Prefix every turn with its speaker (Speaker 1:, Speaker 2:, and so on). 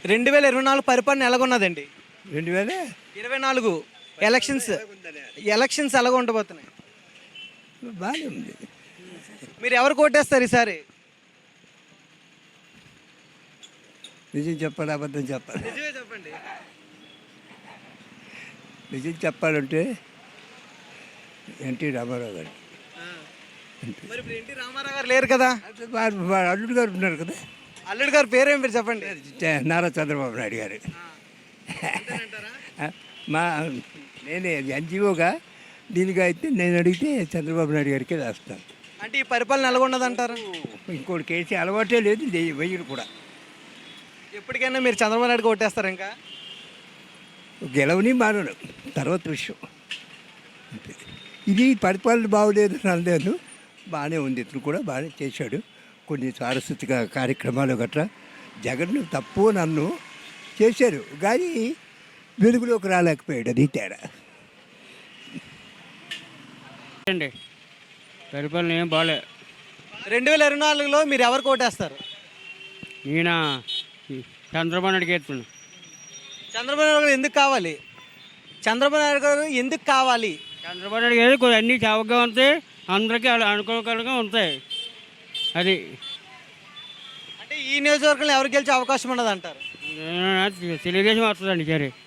Speaker 1: 2024 పరిపాలన ఎలాగున్నదండి?
Speaker 2: 2000
Speaker 1: 24 elections elections ఎలాగ ఉండబోతున్నాయి?
Speaker 2: బాగానే ఉంది.
Speaker 1: మీరు ఎవరు ఓటేస్తారు ఈసారి?
Speaker 2: నిజం చెప్పాలి, అబద్ధం చెప్పాలి.
Speaker 1: నిజమే చెప్పండి.
Speaker 2: నిజం చెప్పాలంటే ఎన్టీ రామారావు గారు.
Speaker 1: మరి ఇప్పుడు ఎన్టీ రామారావు గారు లేరు కదా?
Speaker 2: వాడు అల్లుడు గారు ఉన్నారు కదా,
Speaker 1: అల్లుడు గారు పేరేం పేరు చెప్పండి.
Speaker 2: నారా చంద్రబాబు నాయుడు గారు. మా నేనే ఎన్జిఓగా దీనిగా అయితే నేను అడిగితే చంద్రబాబు నాయుడు గారికి రాస్తాను.
Speaker 1: అంటే ఈ పరిపాలన ఎలాగున్నదంటారు?
Speaker 2: ఇంకోటి కేసీ అలవాటే లేదు, వెయ్యరు కూడా.
Speaker 1: ఎప్పటికైనా మీరు చంద్రబాబు నాయుడుకి ఓటేస్తారు ఇంకా?
Speaker 2: గెలవని మానను తర్వాత విషయం. అంతే. ఇది పరిపాలన బాగోలేదు అనలేదు, బాగానే ఉంది. ఇతను కూడా బాగానే చేశాడు కొన్ని సాంస్కృతిక కార్యక్రమాలు గట్రా. జగన్ తప్పు నన్ను చేశారు కానీ వెలుగులోకి రాలేకపోయాడు, అది తేడా.
Speaker 3: అండి పరిపాలన ఏం బాగాలే.
Speaker 1: 2024లో మీరు ఎవరికి ఓటేస్తారు?
Speaker 3: ఈయన చంద్రబాబు నాయుడు ఎత్తున్నాడు.
Speaker 1: చంద్రబాబు నాయుడు గారు ఎందుకు కావాలి? చంద్రబాబు నాయుడు గారు ఎందుకు కావాలి?
Speaker 3: చంద్రబాబు నాయుడు గారు కొన్ని అన్నీ చౌకగా ఉంటాయి, అందరికీ అనుకూలంగా ఉంటాయి. అది
Speaker 1: అంటే ఈ నియోజకవర్గంలో ఎవరు గెలిచే అవకాశం ఉన్నది అంటారు?
Speaker 3: తెలుగుదేశం వస్తుందండి సరే.